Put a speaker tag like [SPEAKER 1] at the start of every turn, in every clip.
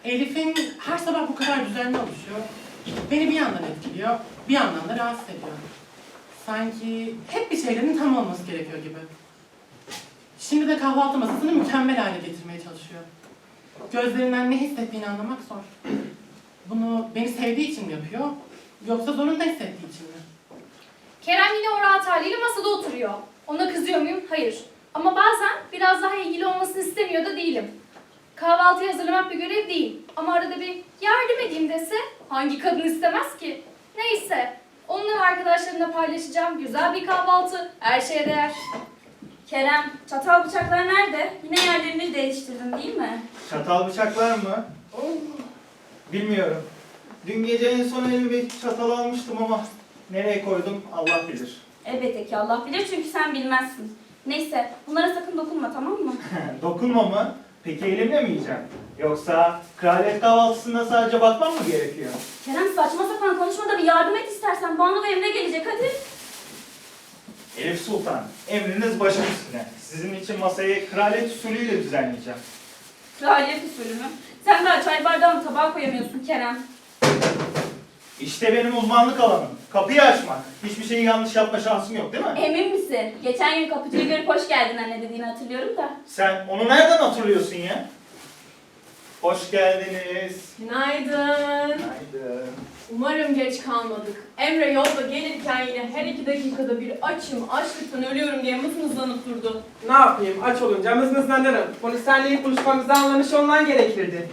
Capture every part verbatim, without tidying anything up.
[SPEAKER 1] Elif'in her sabah bu kadar düzenli oluşuyor. Beni bir yandan etkiliyor, bir yandan da rahatsız ediyor. Sanki hep bir şeylerin tam olması gerekiyor gibi. Şimdi de kahvaltı masasını mükemmel hale getirmeye çalışıyor. Gözlerinden ne hissettiğini anlamak zor. Bunu beni sevdiği için mi yapıyor, yoksa zorunda hissettiği için mi?
[SPEAKER 2] Kerem yine o rahat haliyle masada oturuyor. Ona kızıyor muyum? Hayır. Ama bazen biraz daha ilgili olmasını istemiyor da değilim. Kahvaltıyı hazırlamak bir görev değil. Ama arada bir yardım edeyim dese hangi kadın istemez ki? Neyse. Onunla ve arkadaşlarımla paylaşacağım güzel bir kahvaltı. Her şeye değer.
[SPEAKER 3] Kerem, çatal bıçaklar nerede? Yine yerlerini değiştirdin değil mi?
[SPEAKER 4] Çatal bıçaklar mı? Bilmiyorum. Dün gece en son elime bir çatal almıştım ama nereye koydum Allah bilir.
[SPEAKER 3] Elbette ki Allah bilir çünkü sen bilmezsin. Neyse, bunlara sakın dokunma, tamam mı?
[SPEAKER 4] Dokunma mı? Peki elimle mi yiyeceğim? Yoksa kraliyet kahvaltısında sadece bakmam mı gerekiyor?
[SPEAKER 3] Kerem saçma sapan konuşma da bir yardım et istersen. Banu da emre gelecek, hadi.
[SPEAKER 4] Elif Sultan, emriniz başım üstüne. Sizin için masayı kraliyet usulüyle düzenleyeceğim.
[SPEAKER 3] Kraliyet usulü mü? Sen daha çay bardağını tabağa koyamıyorsun Kerem.
[SPEAKER 4] İşte benim uzmanlık alanım. Kapıyı açmak. Hiçbir şeyi yanlış yapma şansım yok değil mi?
[SPEAKER 3] Emin misin? Geçen gün kapıcıyı görüp hoş geldin anne dediğini hatırlıyorum da.
[SPEAKER 4] Sen onu nereden hatırlıyorsun ya? Hoş geldiniz.
[SPEAKER 5] Günaydın.
[SPEAKER 4] Günaydın.
[SPEAKER 5] Umarım geç kalmadık. Emre yolda gelirken yine her iki dakikada bir açım, açlıktan ölüyorum diye mızmızlanıp durdu.
[SPEAKER 6] Ne yapayım? Aç olunca mızmızlanırım. Bunu senle ilk buluşmamızda anlamış olman gerekirdi.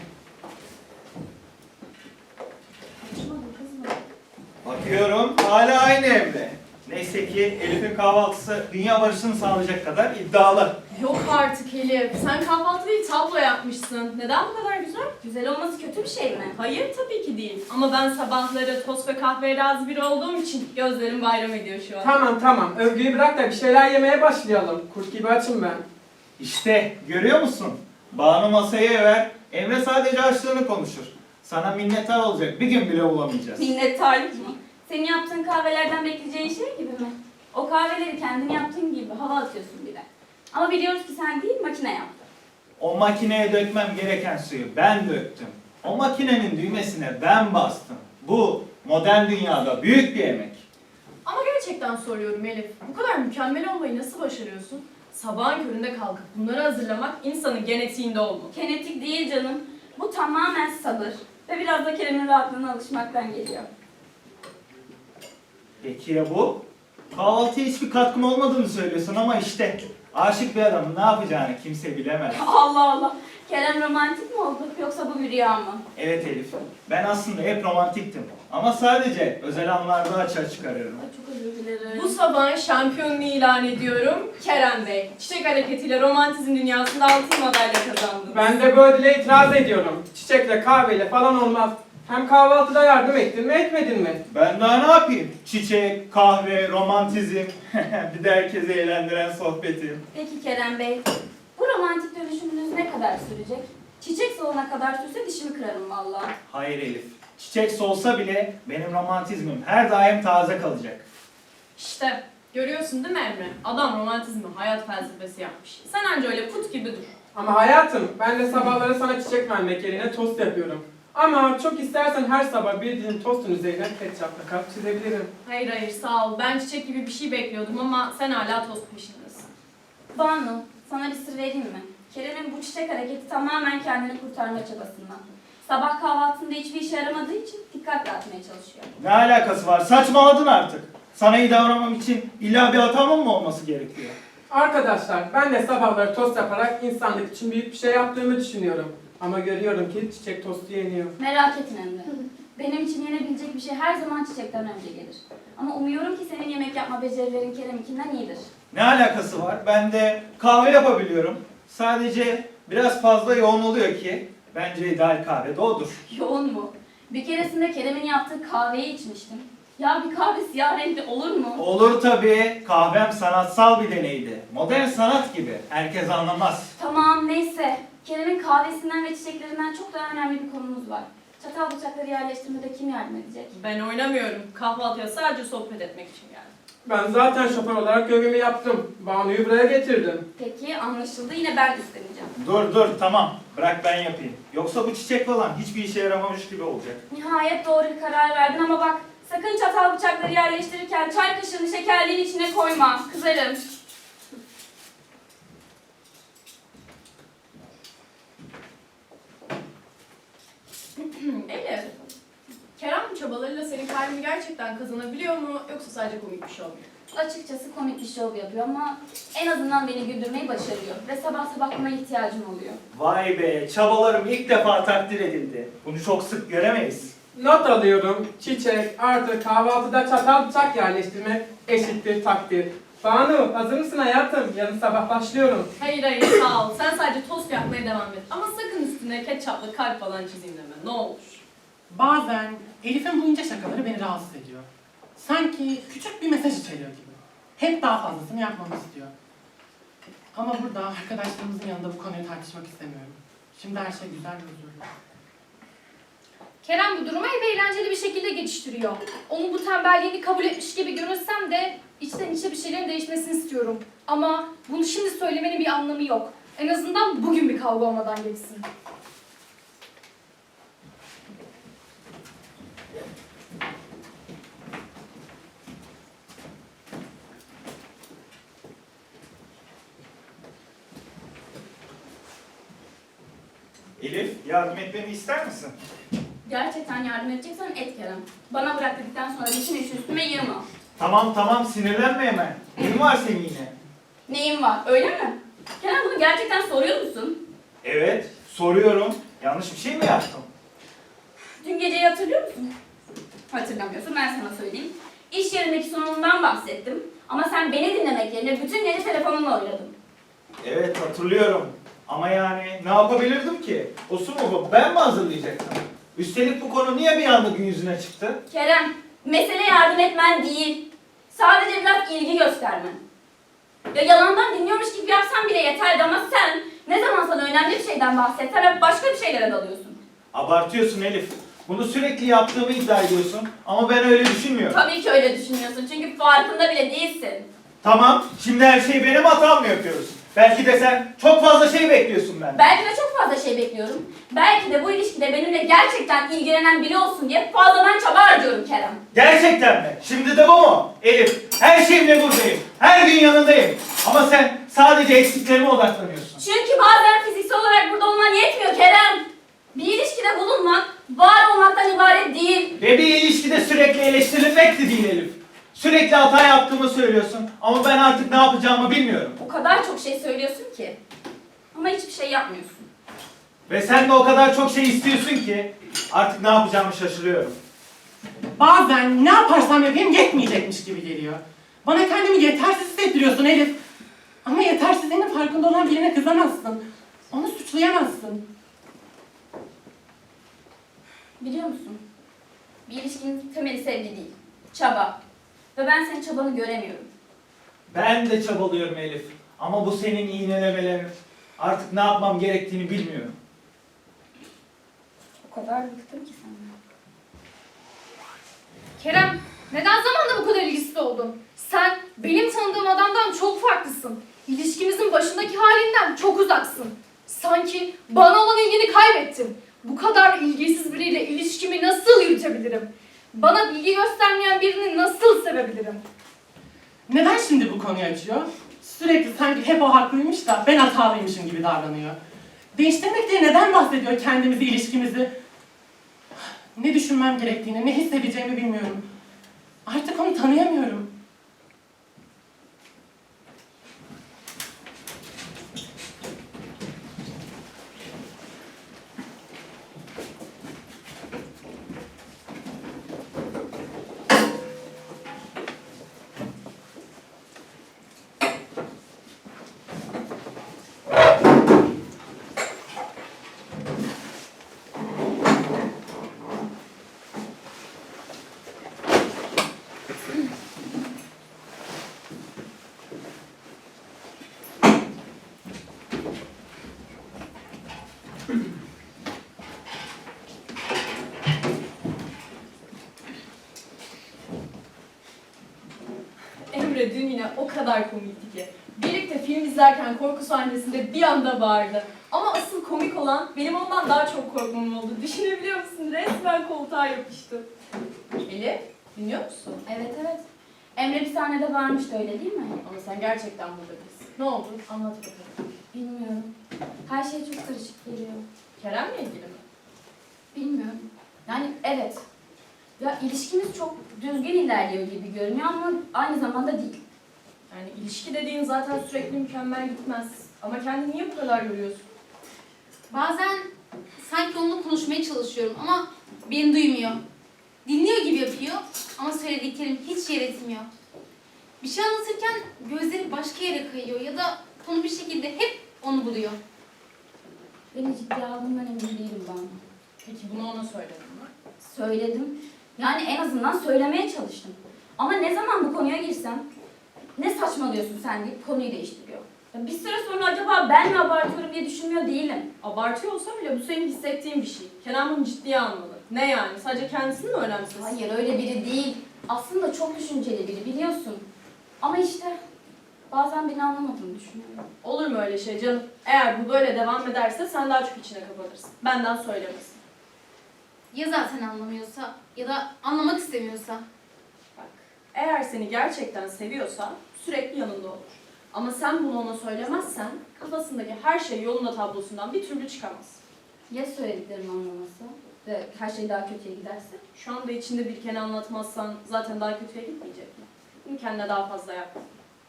[SPEAKER 4] Bakıyorum hala aynı evde. Neyse ki Elif'in kahvaltısı dünya barışını sağlayacak kadar iddialı.
[SPEAKER 5] Yok artık Elif. Sen kahvaltı değil tablo yapmışsın. Neden bu kadar güzel?
[SPEAKER 3] Güzel olması kötü bir şey mi?
[SPEAKER 5] Hayır tabii ki değil. Ama ben sabahları tost ve kahveye razı biri olduğum için gözlerim bayram ediyor şu an.
[SPEAKER 6] Tamam tamam. Övgüyü bırak da bir şeyler yemeye başlayalım. Kurt gibi açım ben.
[SPEAKER 4] İşte görüyor musun? Banu masaya ver, Emre sadece açlığını konuşur. Sana minnettar olacak bir gün bile bulamayacağız.
[SPEAKER 3] Minnettarlık mı? Senin yaptığın kahvelerden bekleyeceğin şey gibi mi? O kahveleri kendin yaptığın gibi hava atıyorsun bir de. Ama biliyoruz ki sen değil, makine yaptı.
[SPEAKER 4] O makineye dökmem gereken suyu ben döktüm. O makinenin düğmesine ben bastım. Bu modern dünyada büyük bir emek.
[SPEAKER 5] Ama gerçekten soruyorum Elif. Bu kadar mükemmel olmayı nasıl başarıyorsun? Sabahın köründe kalkıp bunları hazırlamak insanın genetiğinde olmalı.
[SPEAKER 3] Genetik değil canım. Bu tamamen sabır. Ve biraz da Kerem'in rahatlığına alışmaktan geliyor.
[SPEAKER 4] Peki ya bu? Kahvaltıya hiçbir katkım olmadığını söylüyorsun ama işte aşık bir adamın ne yapacağını kimse bilemez.
[SPEAKER 3] Allah Allah. Kerem romantik mi oldu yoksa bu bir rüya mı?
[SPEAKER 4] Evet Elif, ben aslında hep romantiktim. Ama sadece özel anlarda açığa çıkarıyorum.
[SPEAKER 3] Ay çok özür dilerim.
[SPEAKER 5] Bu sabah şampiyonluğu ilan ediyorum. Kerem Bey, çiçek hareketiyle romantizm dünyasında altın madalya kazandı.
[SPEAKER 6] Ben de bu ödüle itiraz ediyorum. Çiçekle kahveyle falan olmaz. Hem kahvaltıda yardım ettin mi etmedin mi?
[SPEAKER 4] Ben daha ne yapayım? Çiçek, kahve, romantizm, bir de herkesi eğlendiren sohbetim.
[SPEAKER 3] Peki Kerem Bey, bu romantik dönüşümünüz ne kadar sürecek? Çiçek solana kadar sürse dişimi kırarım vallahi.
[SPEAKER 4] Hayır Elif, çiçek solsa bile benim romantizmim her daim taze kalacak.
[SPEAKER 5] İşte görüyorsun değil mi Emre? Adam romantizmi hayat felsefesi yapmış. Sen anca öyle put gibi dur.
[SPEAKER 6] Ama hayatım, ben de sabahları sana çiçek vermek yerine tost yapıyorum. Ama çok istersen her sabah bir dilim tostun üzerine ketçapla kalp çizebilirim.
[SPEAKER 5] Hayır hayır sağ ol. Ben çiçek gibi bir şey bekliyordum ama sen hala tost peşindesin.
[SPEAKER 3] Banu, sana bir sır vereyim mi? Kerem'in bu çiçek hareketi tamamen kendini kurtarma çabasından. Sabah kahvaltısında hiçbir işe yaramadığı için dikkat dağıtmaya çalışıyor.
[SPEAKER 4] Ne alakası var? Saçmaladın artık. Sana iyi davranmam için illa bir hatamın mı olması gerekiyor?
[SPEAKER 6] Arkadaşlar, ben de sabahları tost yaparak insanlık için büyük bir şey yaptığımı düşünüyorum. Ama görüyorum ki çiçek tostu yeniyor.
[SPEAKER 3] Merak etme Emre. Benim için yenebilecek bir şey her zaman çiçekten önce gelir. Ama umuyorum ki senin yemek yapma becerilerin Kerem'inkinden iyidir.
[SPEAKER 4] Ne alakası var? Ben de kahve yapabiliyorum. Sadece biraz fazla yoğun oluyor ki bence ideal kahve de odur.
[SPEAKER 3] Yoğun mu? Bir keresinde Kerem'in yaptığı kahveyi içmiştim. Ya bir kahve siyah renkli olur mu?
[SPEAKER 4] Olur tabii. Kahvem sanatsal bir deneydi. Modern sanat gibi. Herkes anlamaz.
[SPEAKER 3] Tamam neyse. Kerem'in kahvesinden ve çiçeklerinden çok daha önemli bir konumuz var. Çatal bıçakları yerleştirmede kim yardım edecek?
[SPEAKER 5] Ben oynamıyorum. Kahvaltıya sadece sohbet etmek için geldim.
[SPEAKER 6] Ben zaten şoför olarak görevimi yaptım. Banu'yu buraya getirdim.
[SPEAKER 3] Peki anlaşıldı, yine ben üstleneceğim.
[SPEAKER 4] Dur dur tamam. Bırak ben yapayım. Yoksa bu çiçek falan hiçbir işe yaramamış gibi olacak.
[SPEAKER 3] Nihayet doğru bir karar verdin ama bak, sakın çatal bıçakları yerleştirirken çay kaşığını şekerliğin içine koyma, kızarım.
[SPEAKER 5] Elif, Kerem çabalarıyla senin kalbini gerçekten kazanabiliyor mu yoksa sadece komik bir şey oluyor?
[SPEAKER 3] Açıkçası komik bir şov yapıyor ama en azından beni güldürmeyi başarıyor ve sabah sabah buna ihtiyacım oluyor.
[SPEAKER 4] Vay be, çabalarım ilk defa takdir edildi. Bunu çok sık göremeyiz.
[SPEAKER 6] Not alıyorum. Çiçek artı kahvaltıda çatal bıçak yerleştirmek eşittir takdir. Banu hazır mısın hayatım? Yarın sabah başlıyorum.
[SPEAKER 5] Hayır hayır sağ ol. Sen sadece tost yapmaya devam et. Ama sakın üstüne ketçaplı kalp falan çizeyim deme. Ne olur.
[SPEAKER 1] Bazen Elif'in bu ince şakaları beni rahatsız ediyor. Sanki küçük bir mesaj içeriyor gibi. Hep daha fazlasını yapmamı istiyor. Ama burada arkadaşlarımızın yanında bu konuyu tartışmak istemiyorum. Şimdi her şey güzel ve huzurlu.
[SPEAKER 2] Kerem bu durumu hep eğlenceli bir şekilde geçiştiriyor. Onun bu tembelliğini kabul etmiş gibi görünsem de içten içe bir şeylerin değişmesini istiyorum. Ama bunu şimdi söylemenin bir anlamı yok. En azından bugün bir kavga olmadan geçsin.
[SPEAKER 4] Elif, yardım etmemi ister misin?
[SPEAKER 3] Gerçekten yardım edeceksen et Kerem. Bana bırak dedikten sonra bütün işi üstüme yığma.
[SPEAKER 4] Tamam tamam, sinirlenme hemen. Neyin var senin yine?
[SPEAKER 3] Neyin var, öyle mi? Kerem bunu gerçekten soruyor musun?
[SPEAKER 4] Evet, soruyorum. Yanlış bir şey mi yaptım?
[SPEAKER 3] Dün geceyi hatırlıyor musun? Hatırlamıyorsun, ben sana söyleyeyim. İş yerindeki sunumumdan bahsettim. Ama sen beni dinlemek yerine bütün gece telefonunla oynadın.
[SPEAKER 4] Evet, hatırlıyorum. Ama yani ne yapabilirdim ki? O sunumu ben mi hazırlayacaktım? Üstelik bu konu niye bir anda gün yüzüne çıktı?
[SPEAKER 3] Kerem, mesele yardım etmen değil. Sadece biraz ilgi göstermen. Ya yalandan dinliyormuş gibi yapsan bile yeterdi ama sen ne zaman sana önemli bir şeyden bahsetsen hep başka bir şeylere dalıyorsun.
[SPEAKER 4] Abartıyorsun Elif. Bunu sürekli yaptığımı iddia ediyorsun ama ben öyle düşünmüyorum.
[SPEAKER 3] Tabii ki öyle düşünüyorsun çünkü farkında bile değilsin.
[SPEAKER 4] Tamam, şimdi her şeyi benim hatam mı yapıyoruz? Belki de sen çok fazla şey bekliyorsun benden.
[SPEAKER 3] Belki de çok fazla şey bekliyorum. Belki de bu ilişkide benimle gerçekten ilgilenen biri olsun diye fazladan çaba harcıyorum Kerem.
[SPEAKER 4] Gerçekten mi? Şimdi de bu mu? Elif, her şeyimle buradayım. Her gün yanındayım. Ama sen sadece eksiklerime odaklanıyorsun.
[SPEAKER 3] Çünkü bazen fiziksel olarak burada olman yetmiyor Kerem. Bir ilişkide bulunmak, var olmaktan ibaret değil.
[SPEAKER 4] Ve bir ilişkide sürekli eleştirilmek de değil Elif. Sürekli hata yaptığımı söylüyorsun ama ben artık ne yapacağımı bilmiyorum.
[SPEAKER 3] O kadar çok şey söylüyorsun ki. Ama hiçbir şey yapmıyorsun.
[SPEAKER 4] Ve sen de o kadar çok şey istiyorsun ki artık ne yapacağımı şaşırıyorum.
[SPEAKER 1] Bazen ne yaparsam yapayım yetmeyecekmiş gibi geliyor. Bana kendimi yetersiz hissettiriyorsun Elif. Ama yetersizliğinin farkında olan birine kızamazsın. Onu suçlayamazsın.
[SPEAKER 3] Biliyor musun? Bir ilişkinin temeli sevgi değil, çaba. Ve ben senin çabanı göremiyorum.
[SPEAKER 4] Ben de çabalıyorum Elif. Ama bu senin iğnelemelerin. Artık ne yapmam gerektiğini bilmiyorum.
[SPEAKER 3] O kadar bıktım ki senden.
[SPEAKER 2] Kerem, neden zamanla bu kadar ilgisiz oldun? Sen benim tanıdığım adamdan çok farklısın. İlişkimizin başındaki halinden çok uzaksın. Sanki bana olan ilgini kaybettin. Bu kadar ilgisiz biriyle ilişkimi nasıl yürütebilirim? Bana bilgi göstermeyen birini nasıl sevebilirim?
[SPEAKER 1] Neden şimdi bu konuyu açıyor? Sürekli sanki hep o haklıymış da ben hatalıymışım gibi davranıyor. Değiştirmek diye neden bahsediyor kendimizi, ilişkimizi? Ne düşünmem gerektiğini, ne hissedeceğimi bilmiyorum. Artık onu tanıyamıyorum.
[SPEAKER 5] o kadar komikti ki. Birlikte film izlerken korku sahnesinde bir anda bağırdı. Ama asıl komik olan benim ondan daha çok korkmam oldu. Düşünebiliyor musun? Resmen koltuğa yapıştı. Elif, dinliyor musun?
[SPEAKER 3] Evet evet. Emre bir sahnede bağırmıştı öyle değil mi?
[SPEAKER 5] Ama sen gerçekten burada değilsin. Ne oldu? Anlat bakalım.
[SPEAKER 3] Bilmiyorum. Her şey çok karışık geliyor.
[SPEAKER 5] Kerem'le ilgili mi?
[SPEAKER 3] Bilmiyorum. Yani evet. Ya ilişkimiz çok düzgün ilerliyor gibi görünüyor ama aynı zamanda değil.
[SPEAKER 5] Yani ilişki dediğin zaten sürekli mükemmel gitmez. Ama kendini niye bu kadar yoruyorsun?
[SPEAKER 7] Bazen sanki onunla konuşmaya çalışıyorum ama beni duymuyor. Dinliyor gibi yapıyor ama söylediklerim hiç yer etmiyor. Bir şey anlatırken gözleri başka yere kayıyor ya da konu bir şekilde hep onu buluyor.
[SPEAKER 3] Beni ciddiye aldığından emin değilim ben.
[SPEAKER 5] Peki bunu ona söyledin mi?
[SPEAKER 3] Söyledim. Yani en azından söylemeye çalıştım. Ama ne zaman bu konuya girsem ne saçmalıyorsun sen deyip konuyu değiştiriyor. Ya bir süre sonra acaba ben mi abartıyorum diye düşünmüyor değilim.
[SPEAKER 5] Abartıyor olsa bile bu senin hissettiğin bir şey. Kenan bunu ciddiye almalı. Ne yani? Sadece kendisini mi önemsiz?
[SPEAKER 3] Hayır öyle biri değil. Aslında çok düşünceli biri biliyorsun. Ama işte bazen beni anlamadığını düşünüyorum.
[SPEAKER 5] Olur mu öyle şey canım? Eğer bu böyle devam ederse sen daha çok içine kapatırsın. Benden söylemesin.
[SPEAKER 7] Ya zaten anlamıyorsa ya da anlamak istemiyorsa.
[SPEAKER 5] Bak, eğer seni gerçekten seviyorsa sürekli yanında olur. Ama sen bunu ona söylemezsen kafasındaki her şey yolunda tablosundan bir türlü çıkamaz.
[SPEAKER 3] Ya söylediklerimi anlaması ve her şey daha kötüye giderse?
[SPEAKER 5] Şu anda içinde birikeni anlatmazsan zaten daha kötüye gitmeyecek mi? Bunu kendine daha fazla yapma.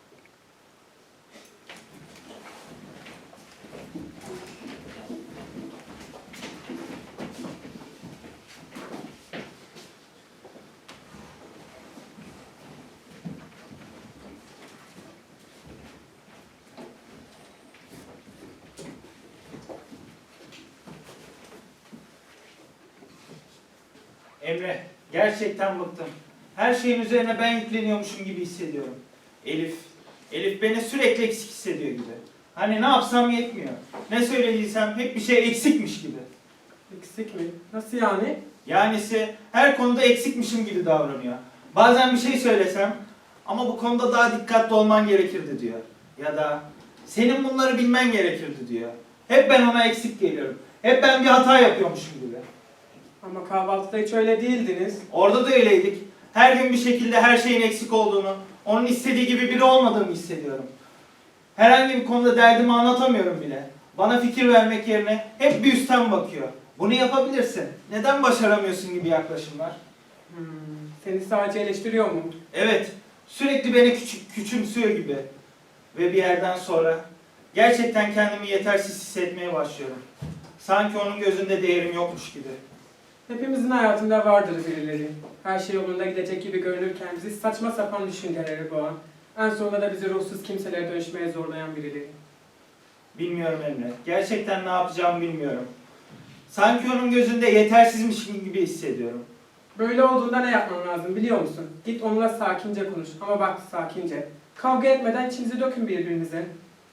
[SPEAKER 4] Emre, gerçekten bıktım. Her şeyin üzerine ben yükleniyormuşum gibi hissediyorum. Elif, Elif beni sürekli eksik hissediyor gibi. Hani ne yapsam yetmiyor. Ne söylediysem hep bir şey eksikmiş gibi.
[SPEAKER 6] Eksik mi? Nasıl yani?
[SPEAKER 4] Yanisi her konuda eksikmişim gibi davranıyor. Bazen bir şey söylesem ama bu konuda daha dikkatli olman gerekirdi diyor. Ya da senin bunları bilmen gerekirdi diyor. Hep ben ona eksik geliyorum. Hep ben bir hata yapıyormuşum gibi.
[SPEAKER 6] Ama kahvaltıda hiç öyle değildiniz.
[SPEAKER 4] Orada da öyleydik. Her gün bir şekilde her şeyin eksik olduğunu, onun istediği gibi biri olmadığımı hissediyorum. Herhangi bir konuda derdimi anlatamıyorum bile. Bana fikir vermek yerine hep bir üstten bakıyor. Bunu yapabilirsin. Neden başaramıyorsun gibi yaklaşımlar.
[SPEAKER 6] Hmm, seni sadece eleştiriyor mu?
[SPEAKER 4] Evet, sürekli beni küçük, küçümsüyor gibi. Ve bir yerden sonra gerçekten kendimi yetersiz hissetmeye başlıyorum. Sanki onun gözünde değerim yokmuş gibi.
[SPEAKER 6] Hepimizin hayatında vardır birileri. Her şey yolunda gidecek gibi görünürken bizi saçma sapan düşünceleri boğan, en sonunda da bizi ruhsuz kimselere dönüşmeye zorlayan birileri.
[SPEAKER 4] Bilmiyorum Emre. Gerçekten ne yapacağımı bilmiyorum. Sanki onun gözünde yetersizmişim gibi hissediyorum.
[SPEAKER 6] Böyle olduğunda ne yapman lazım biliyor musun? Git onunla sakince konuş ama bak sakince. Kavga etmeden içinizi dökün birbirinize.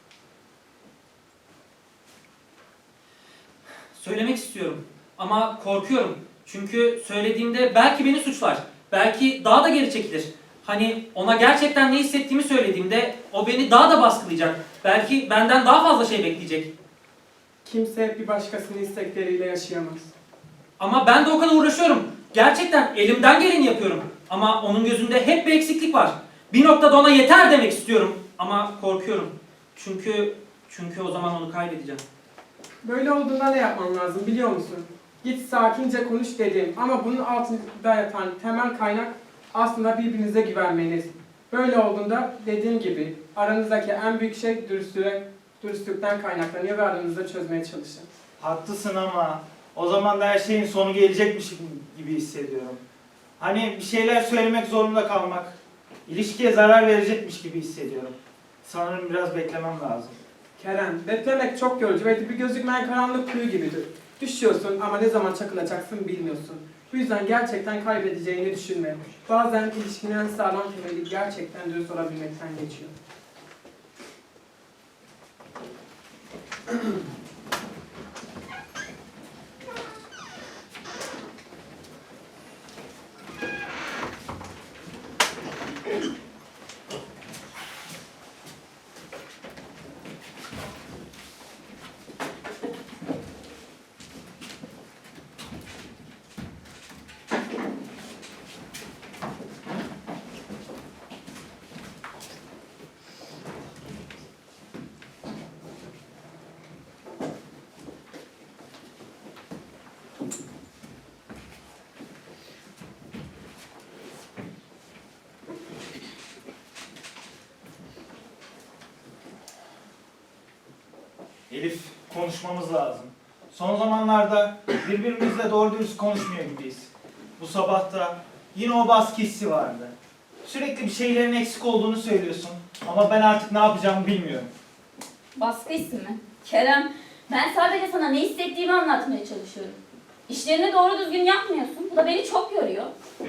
[SPEAKER 8] Söylemek istiyorum ama korkuyorum. Çünkü söylediğimde belki beni suçlar. Belki daha da geri çekilir. Hani ona gerçekten ne hissettiğimi söylediğimde o beni daha da baskılayacak. Belki benden daha fazla şey bekleyecek.
[SPEAKER 6] Kimse bir başkasının istekleriyle yaşayamaz.
[SPEAKER 8] Ama ben de o kadar uğraşıyorum. Gerçekten elimden geleni yapıyorum. Ama onun gözünde hep bir eksiklik var. Bir noktada ona yeter demek istiyorum. Ama korkuyorum. Çünkü çünkü o zaman onu kaybedeceğim.
[SPEAKER 6] Böyle olduğunda ne yapman lazım biliyor musun? Git sakince konuş dedim ama bunun altında yatan temel kaynak aslında birbirinize güvenmeniz. Böyle olduğunda dediğim gibi aranızdaki en büyük şey dürüstlüğe, dürüstlükten kaynaklanıyor ve aranızda çözmeye çalışın.
[SPEAKER 4] Haklısın ama o zaman da her şeyin sonu gelecekmiş gibi hissediyorum. Hani bir şeyler söylemek zorunda kalmak, ilişkiye zarar verecekmiş gibi hissediyorum. Sanırım biraz beklemem lazım.
[SPEAKER 6] Kerem, beklemek çok yorucu ve bir gözükmeyen karanlık kuyu gibidir. Düşüyorsun ama ne zaman çakılacaksın bilmiyorsun. Bu yüzden gerçekten kaybedeceğini düşünme. Bazen ilişkinin en sağlam temeli gerçekten dürüst olabilmekten geçiyor.
[SPEAKER 4] Elif, konuşmamız lazım. Son zamanlarda birbirimizle doğru dürüst konuşmuyor gibiyiz. Bu sabah da yine o baskı hissi vardı. Sürekli bir şeylerin eksik olduğunu söylüyorsun ama ben artık ne yapacağımı bilmiyorum.
[SPEAKER 3] Baskı hissi mi? Kerem, ben sadece sana ne hissettiğimi anlatmaya çalışıyorum. İşlerini doğru düzgün yapmıyorsun. Bu da beni çok yoruyor.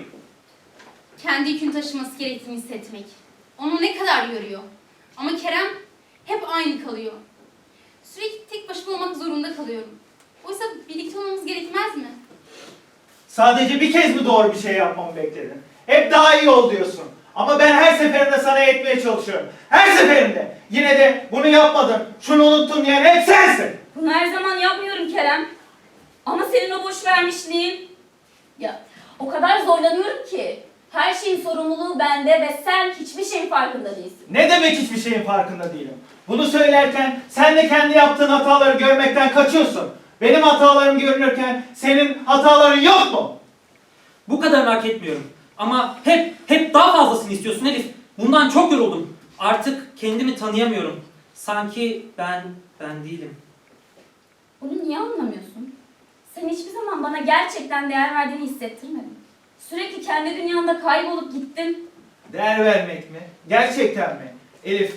[SPEAKER 7] Kendi yükünü taşıması gerektiğini hissetmek. Onu ne kadar yoruyor. Ama Kerem hep aynı kalıyor. Sürekli tek başıma olmak zorunda kalıyorum. Oysa birlikte olmamız gerekmez mi?
[SPEAKER 4] Sadece bir kez mi doğru bir şey yapmamı bekledin? Hep daha iyi ol diyorsun. Ama ben her seferinde sana yetmeye çalışıyorum. Her seferinde. Yine de bunu yapmadın, şunu unuttun diyen hep sensin.
[SPEAKER 3] Bunu her zaman yapmıyorum Kerem. Ama senin o boş vermişliğin... Ya o kadar zorlanıyorum ki. Her şeyin sorumluluğu bende ve sen hiçbir şeyin farkında değilsin.
[SPEAKER 4] Ne demek hiçbir şeyin farkında değilim? Bunu söylerken sen de kendi yaptığın hataları görmekten kaçıyorsun. Benim hatalarım görünürken senin hataların yok mu?
[SPEAKER 8] Bu kadarını hak etmiyorum. Ama hep hep daha fazlasını istiyorsun Elif. Bundan çok yoruldum. Artık kendimi tanıyamıyorum. Sanki ben ben değilim.
[SPEAKER 3] Bunu niye anlamıyorsun? Sen hiçbir zaman bana gerçekten değer verdiğini hissettirmedin. Sürekli kendi dünyanda kaybolup gittin.
[SPEAKER 4] Değer vermek mi? Gerçekten mi? Elif,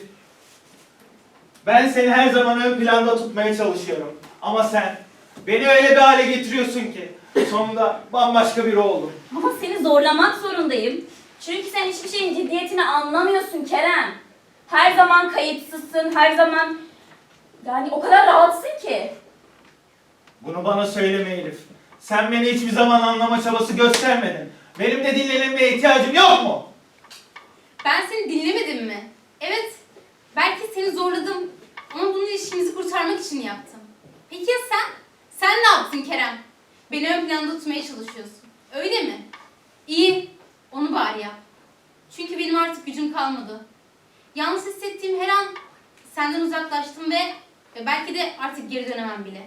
[SPEAKER 4] ben seni her zaman ön planda tutmaya çalışıyorum. Ama sen beni öyle bir hale getiriyorsun ki sonunda bambaşka biri oldum.
[SPEAKER 3] Ama seni zorlamak zorundayım. Çünkü sen hiçbir şeyin ciddiyetini anlamıyorsun Kerem. Her zaman kayıtsızsın, her zaman... Yani o kadar rahatsın ki.
[SPEAKER 4] Bunu bana söyleme Elif. Sen beni hiçbir zaman anlama çabası göstermedin. Benim de dinlenmeye ihtiyacım yok mu?
[SPEAKER 7] Ben seni dinlemedim mi? Evet. Belki seni zorladım. Ama bunu ilişkimizi kurtarmak için yaptım. Peki ya sen? Sen ne yaptın Kerem? Beni ön planda tutmaya çalışıyorsun. Öyle mi? İyi. Onu bari yap. Çünkü benim artık gücüm kalmadı. Yalnız hissettiğim her an senden uzaklaştım ve, ve belki de artık geri dönemem bile.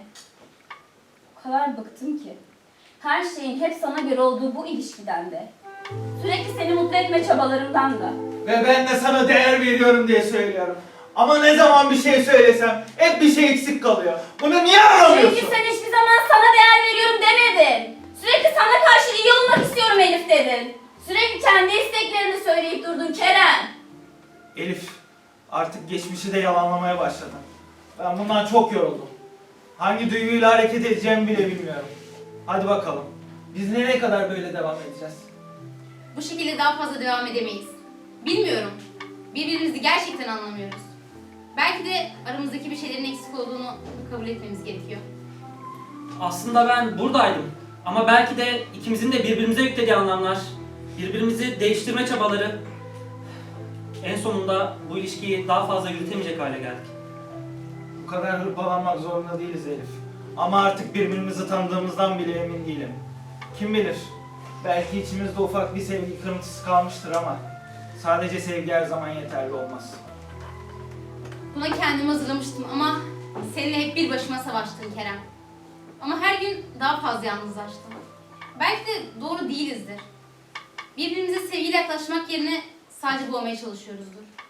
[SPEAKER 3] O kadar bıktım ki. Her şeyin hep sana göre olduğu bu ilişkiden de. Sürekli seni mutlu etme çabalarımdan da.
[SPEAKER 4] Ve ben de sana değer veriyorum diye söylüyorum. Ama ne zaman bir şey söylesem hep bir şey eksik kalıyor. Bunu niye anlamıyorsun?
[SPEAKER 3] Çünkü sen hiçbir zaman sana değer veriyorum demedin. Sürekli sana karşı iyi olmak istiyorum Elif dedin. Sürekli kendi isteklerini söyleyip durdun Kerem.
[SPEAKER 4] Elif, artık geçmişi de yalanlamaya başladın. Ben bundan çok yoruldum. Hangi duyguyla hareket edeceğimi bile bilmiyorum. Hadi bakalım. Biz nereye kadar böyle devam edeceğiz?
[SPEAKER 7] Bu şekilde daha fazla devam edemeyiz. Bilmiyorum. Birbirimizi gerçekten anlamıyoruz. Belki de aramızdaki bir şeylerin eksik olduğunu kabul etmemiz gerekiyor.
[SPEAKER 8] Aslında ben buradaydım. Ama belki de ikimizin de birbirimize yüklediği anlamlar, birbirimizi değiştirme çabaları en sonunda bu ilişkiyi daha fazla yürütemeyecek hale geldik.
[SPEAKER 4] Bu kadar hırpalanmak zorunda değiliz Elif. Ama artık birbirimizi tanıdığımızdan bile emin değilim. Kim bilir? Belki içimizde ufak bir sevgi kırıntısı kalmıştır ama sadece sevgi her zaman yeterli olmaz.
[SPEAKER 7] Buna kendimi hazırlamıştım ama seninle hep bir başıma savaştım Kerem. Ama her gün daha fazla yalnızlaştım. Belki de doğru değilizdir. Birbirimize sevgiyle yaklaşmak yerine sadece boğmaya çalışıyoruzdur.